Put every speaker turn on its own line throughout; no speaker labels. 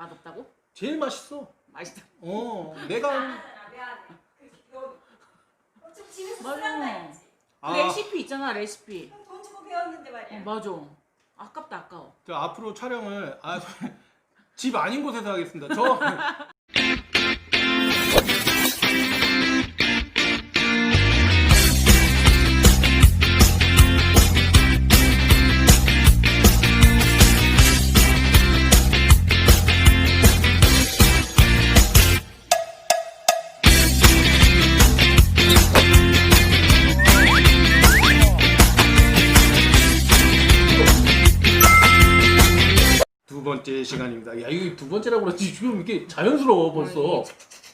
맛없다고?
제일 맛있어.
맛있다.
내가
좀 집에서
맞아.
쓰란 말이지.
그 레시피 있잖아, 레시피.
돈 주고 배웠는데 말이야.
맞아. 아깝다, 아까워.
저 앞으로 촬영을 집 아닌 곳에서 하겠습니다. 저 두 번째 시간입니다. 야, 이거 두 번째라고 그러지 지금 이게 자연스러워 벌써.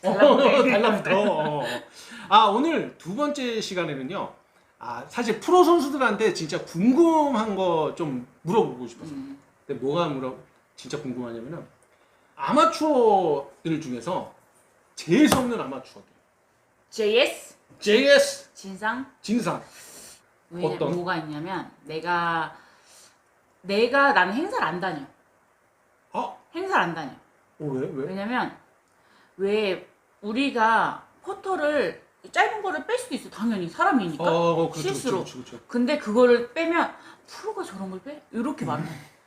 달라붙어. 오늘 두 번째 시간에는요. 사실 프로 선수들한테 진짜 궁금한 거 좀 물어보고 싶어서. 근데 뭐가 진짜 궁금하냐면은 아마추어들 중에서 제일 없는 아마추어들. JS
진상?
진상. 어떤?
뭐가 있냐면 내가 나는 행사를 안 다녀. 행사를 안 다녀.
왜?
왜냐면 왜 우리가 퍼터를 짧은 거를 뺄 수도 있어. 당연히 사람이니까.
그렇죠,
실수로.
그렇죠.
근데 그거를 빼면 프로가 저런 걸 빼? 이렇게 말해.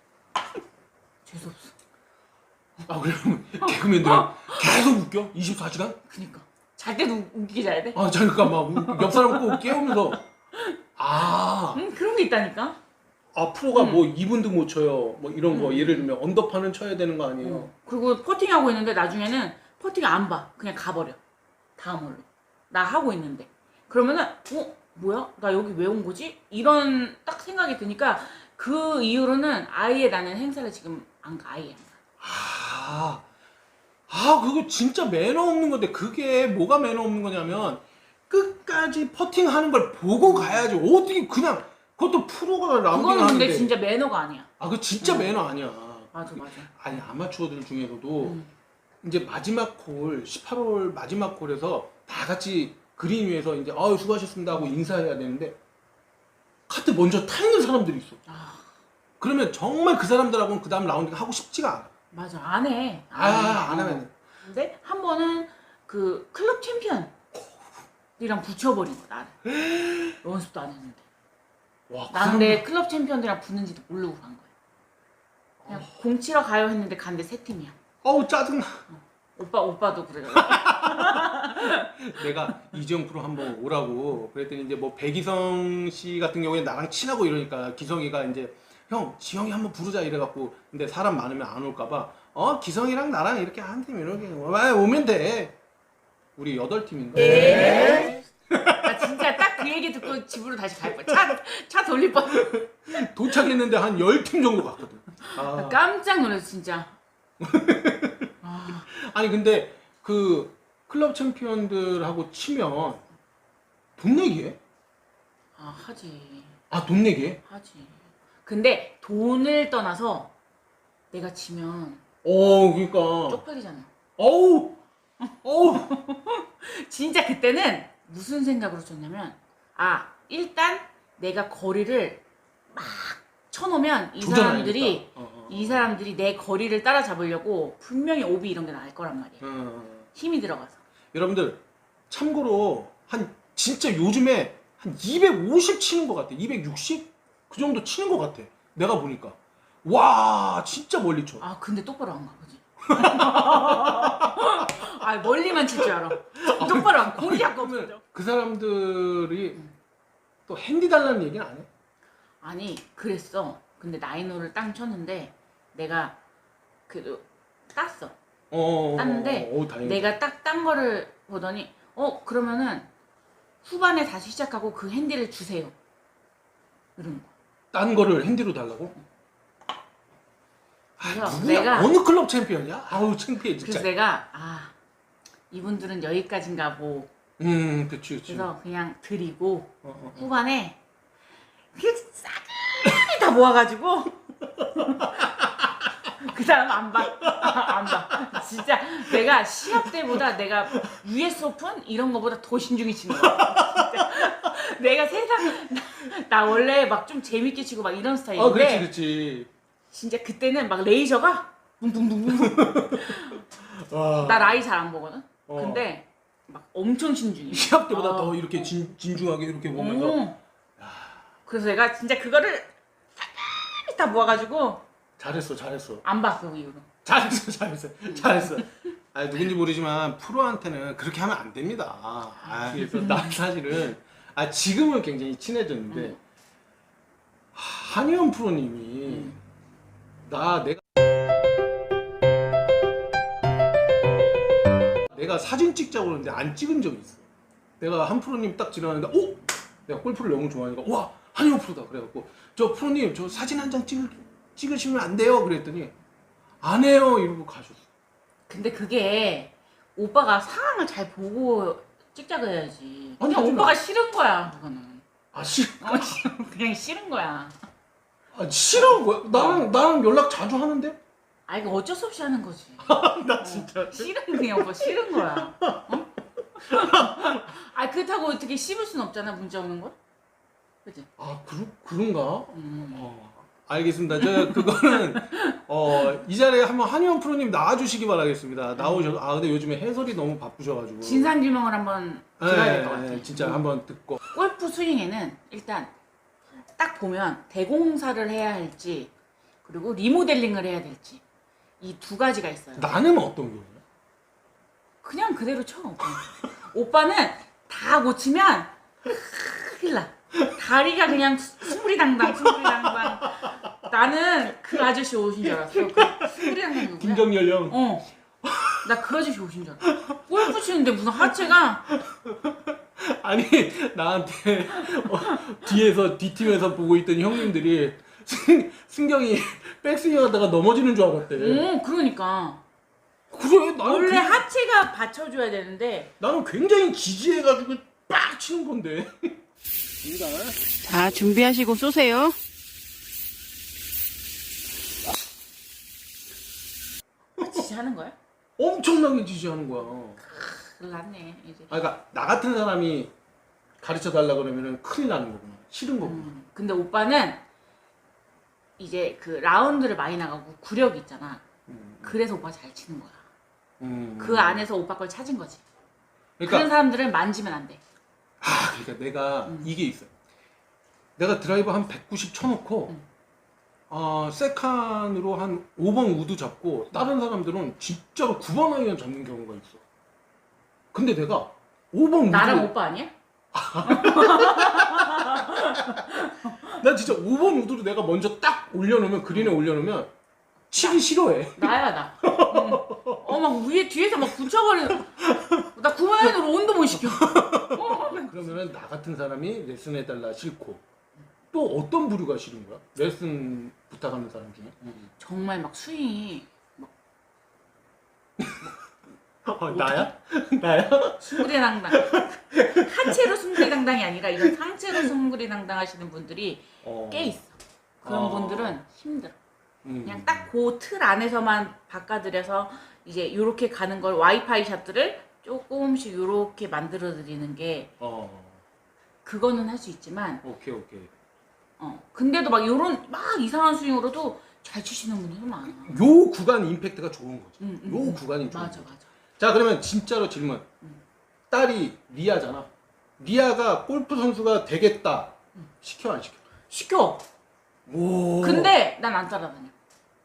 재수없어.
그러면 개그맨들은 계속 웃겨? 24시간?
그니까 잘 때도 웃기게 자야 돼?
잠깐 옆 사람 꼭 깨우면서
그런 게 있다니까.
프로가 뭐 2분도 못 쳐요. 뭐 이런 거 예를 들면 언더파는 쳐야 되는 거 아니에요?
그리고 퍼팅하고 있는데 나중에는 퍼팅 안 봐. 그냥 가버려. 다음 홀로. 나 하고 있는데. 그러면은 뭐야? 나 여기 왜 온 거지? 이런 딱 생각이 드니까 그 이후로는 아예 나는 행사를 지금 안 가. 아예 안 가.
그거 진짜 매너 없는 건데 그게 뭐가 매너 없는 거냐면 끝까지 퍼팅하는 걸 보고 가야지. 어떻게 그냥 그것도 프로가 라운딩
그거는
하는데.
근데 진짜 매너가 아니야.
그거 진짜 매너 아니야.
맞아.
아니 아마추어들 중에서도 이제 마지막 홀 18홀 마지막 홀에서 다 같이 그린 위에서 이제 수고하셨습니다 하고 인사해야 되는데 카트 먼저 타 있는 사람들이 있어. 그러면 정말 그 사람들하고는 그 다음 라운딩 하고 싶지가 않아.
맞아. 안 해.
안 하면.
근데 한 번은 그 클럽 챔피언이랑 붙여버린 거야. 나를. 연습도 안 했는데. 난 내 클럽 챔피언들이랑 붙는지도 모르고 간 거야. 그냥 공 치러 가요 했는데 간데 세 팀이야.
짜증나.
오빠도 그래.
내가 이지영 프로 한번 오라고 그랬더니 이제 뭐 백이성 씨 같은 경우에 나랑 친하고 이러니까 기성이가 이제 형 지영이 한번 부르자 이래갖고 근데 사람 많으면 안 올까봐 기성이랑 나랑 이렇게 한 팀 이렇게 오면 돼. 우리 8팀인가?
나 진짜 딱 그 얘기 듣고 집으로 다시 갈 뻔. 차 돌릴 뻔.
도착했는데 한 10팀 정도 갔거든.
나 깜짝 놀랐어 진짜.
아니 근데 그 클럽 챔피언들하고 치면 돈 내기 해?
하지.
돈 내기 해?
하지. 근데 돈을 떠나서 내가 지면
그러니까
쪽팔리잖아.
어우
진짜 그때는 무슨 생각으로 쳤냐면 일단 내가 거리를 막 쳐놓으면 이 사람들이 내 거리를 따라잡으려고 분명히 오비 이런 게 나올 거란 말이야. 힘이 들어가서.
여러분들 참고로 진짜 요즘에 한 250 치는 것 같아. 260? 그 정도 치는 것 같아. 내가 보니까 와 진짜 멀리 쳐.
근데 똑바로 안 가 보지. 멀리만 칠 줄 알아. 똑바로 안 공이 자꾸 없어.
그 사람들이 또 핸디 달라는 얘기는 안 해?
아니 그랬어. 근데 나인홀을 땅 쳤는데 내가 그래도 땄어. 땄는데
다행이다.
내가 딱 딴 거를 보더니 그러면은 후반에 다시 시작하고 그 핸디를 주세요. 이런 거.
딴 거를 핸디로 달라고?
그래서
누구야? 어느 클럽 챔피언이야? 창피해 진짜.
그래서 내가 이분들은 여기까지인가 보.
그치.
그래서 그냥 드리고 후반에 그냥 싸그리 다 모아가지고 그 사람 안 봐. 진짜 내가 시합 때보다 내가 US 오픈 이런 거보다 더 신중히 치는 거야. 진짜. 내가 나 원래 막 좀 재밌게 치고 막 이런 스타일인데
그렇지.
진짜 그때는 막 레이저가 붕붕붕붕.
와.
나 나이 잘 안 보거든.
어.
근데 막 엄청 신중해.
시합 때보다
아.
더 이렇게 진중하게 이렇게 보면서
오. 그래서 내가 진짜 그거를 가만히 다 모아가지고
잘했어.
안 봐, 그 이후로.
잘했어. 아 누군지 모르지만 프로한테는 그렇게 하면 안 됩니다. 그래서 나 사실은 지금은 굉장히 친해졌는데 한의원 프로님이 내가 사진 찍자고 그러는데 안 찍은 적이 있어. 내가 한 프로님 딱 지나가는데 내가 골프를 너무 좋아하니까 와 한의원 프로다 그래갖고 저 프로님 저 사진 한 장 찍으시면 안 돼요 그랬더니 안 해요 이러고 가셨어.
근데 그게 오빠가 상황을 잘 보고 찍자고 해야지.
아니,
그냥
하지
오빠가
마.
싫은 거야, 그거는. 그냥 싫은 거야.
싫어 거야? 나랑 연락 자주 하는데?
아, 이거 어쩔 수 없이 하는 거지.
나 진짜
싫은 그냥 오빠 싫은 거야. 어? 아, 그렇다고 어떻게 씹을 순 없잖아, 문제 없는 걸? 그치?
그런가? 알겠습니다. 저 그거는 이 자리에 한번 한의원 프로님 나와주시기 바라겠습니다. 나오셔서 근데 요즘에 해설이 너무 바쁘셔가지고
진상규명을 한번 들어야 될 것 같아.
진짜 한번 듣고
골프 스윙에는 일단 딱 보면 대공사를 해야 할지 그리고 리모델링을 해야 될지 이 두 가지가 있어요.
나는 어떤 경우야?
그냥 그대로 쳐. 오빠는 다 고치면 큰일 나. 다리가 그냥 스무리당당. 나는 그 아저씨 오신 줄 알았어. 그 스무리당당 누구야?
김정열 형.
나 그 아저씨 오신 줄 알았어. 골프 치는데 무슨 하체가
아니 나한테 뒤에서 뒷팀에서 보고 있던 형님들이 승경이 백스윙 하다가 넘어지는 줄 알았대.
그러니까.
그래 나는
원래 하체가 받쳐줘야 되는데
나는 굉장히 지지해가지고 빡 치는 건데.
자, 준비하시고 쏘세요. 지지하는 거야?
엄청나게 지지하는 거야.
큰일 났네 이제.
그러니까 나 같은 사람이 가르쳐 달라 그러면은 큰일 나는 거구나. 싫은 거구나.
근데 오빠는 이제 그 라운드를 많이 나가고 구력이 있잖아. 그래서 오빠가 잘 치는 거야. 그 안에서 오빠 걸 찾은 거지.
그러니까
그런 사람들은 만지면 안 돼.
그러니까 내가 이게 있어. 내가 드라이버 한 190 쳐놓고 세칸으로 한 5번 우드 잡고 다른 사람들은 진짜로 9번 아이언 잡는 경우가 있어. 근데 내가 5번 우드
나랑 오빠 아니야?
난 진짜 5번 우드로 내가 먼저 딱 올려놓으면 그린에 올려놓으면 치기 싫어해.
나야 나. 막 위에 뒤에서 막 붙여버리는. 나 9번 아이언으로 온도 못 시켜.
그러면은 나 같은 사람이 레슨 해달라 싫고 또 어떤 부류가 싫은 거야? 레슨 부탁하는 사람 중에?
정말 막 스윙이
나야? 나야?
숭구리당당. 하체로 숭구리당당이 아니라 이런 상체로 숭구리당당 하시는 분들이 꽤 있어. 그런 분들은 힘들어. 그냥 딱 그 틀 안에서만 바꿔드려서 이제 요렇게 가는 걸 와이파이 샷들을 조금씩 요렇게 만들어 드리는 게 그거는 할 수 있지만
오케이.
근데도 막 요런 막 이상한 스윙으로도 잘 치시는 분들도 많아.
요 구간 임팩트가 좋은 거지. 요 구간이 좋은
맞아.
거지. 자 그러면 진짜로 질문. 딸이 리아잖아. 리아가 골프 선수가 되겠다. 시켜 안 시켜?
시켜.
오.
근데 난 안 따라다녀.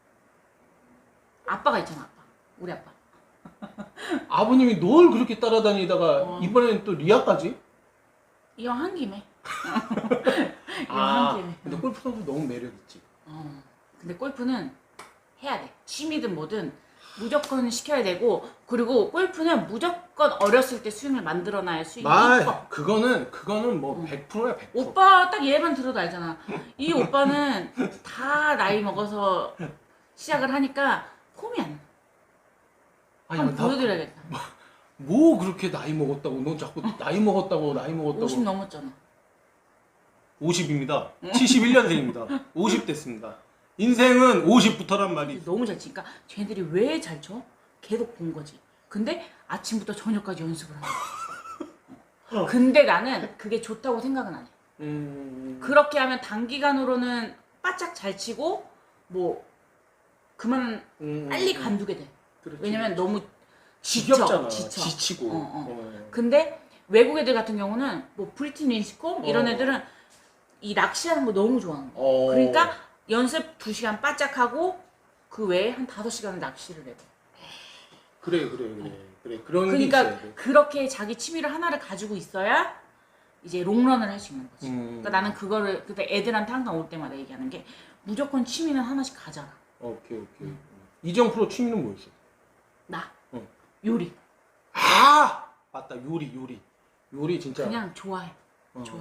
아빠가 있잖아, 아빠. 우리 아빠.
아버님이 널 그렇게 따라다니다가 이번에는 또 리아까지?
이왕 한 김에. 이왕 한 김에.
근데 골프 선수 너무 매력 있지.
근데 골프는 해야 돼. 취미든 뭐든 무조건 시켜야 되고, 그리고 골프는 무조건 어렸을 때 스윙을 만들어놔야 스윙이 이뻐.
그거는 뭐 100%야 100%.
오빠 딱 얘만 들어도 알잖아. 이 오빠는 다 나이 먹어서 시작을 하니까 폼이 안 나. 한번 보여드려야겠다.
뭐 그렇게 나이 먹었다고 넌 자꾸 나이 먹었다고
50 넘었잖아.
50입니다. 71년생입니다. 50 됐습니다. 인생은 50부터란 말이.
너무 잘 치니까 쟤네들이 왜 잘 쳐? 계속 본 거지. 근데 아침부터 저녁까지 연습을 하는 거야. 근데 나는 그게 좋다고 생각은 안 해. 그렇게 하면 단기간으로는 바짝 잘 치고 뭐 그만 빨리 간두게 돼.
그렇지.
왜냐면 너무
지겹잖아.
지쳐.
지치고.
어. 근데 외국 애들 같은 경우는 뭐 브리튼 린스콤 이런 애들은 이 낚시하는 거 너무 좋아하는 거야. 그러니까 연습 2시간 바짝 하고 그 외에 한 5시간을 낚시를 해.
그래. 그런 게
그러니까
있어야 돼.
그렇게 자기 취미를 하나를 가지고 있어야 이제 롱런을 할 수 있는 거지. 그러니까 나는 그거를 그때 애들한테 항상 올 때마다 얘기하는 게 무조건 취미는 하나씩 가져라.
오케이. 이정 프로 취미는 뭐였어?
나
응.
요리
아 맞다 요리 진짜.
그냥 좋아해. 좋아해.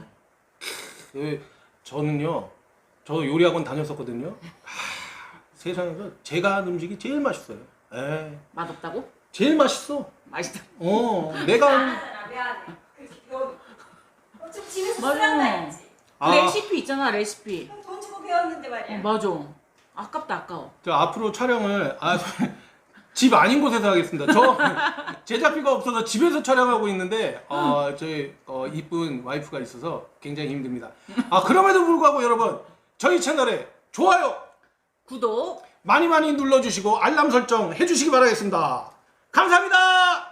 저는요 저도 요리학원 다녔었거든요. 세상에서 제가 한 음식이 제일 맛있어요.
맛없다고?
제일 맛있어.
맛있다.
내가
미안해. 좀 집에서
맞아.
쓰란다 했지.
레시피 있잖아 레시피.
돈 주고 배웠는데 말이야.
맞아. 아깝다 아까워.
저 앞으로 촬영을 집 아닌 곳에서 하겠습니다. 저 제작비가 없어서 집에서 촬영하고 있는데 저희 이쁜 와이프가 있어서 굉장히 힘듭니다. 그럼에도 불구하고 여러분 저희 채널에 좋아요
구독
많이 눌러주시고 알람 설정 해주시기 바라겠습니다. 감사합니다.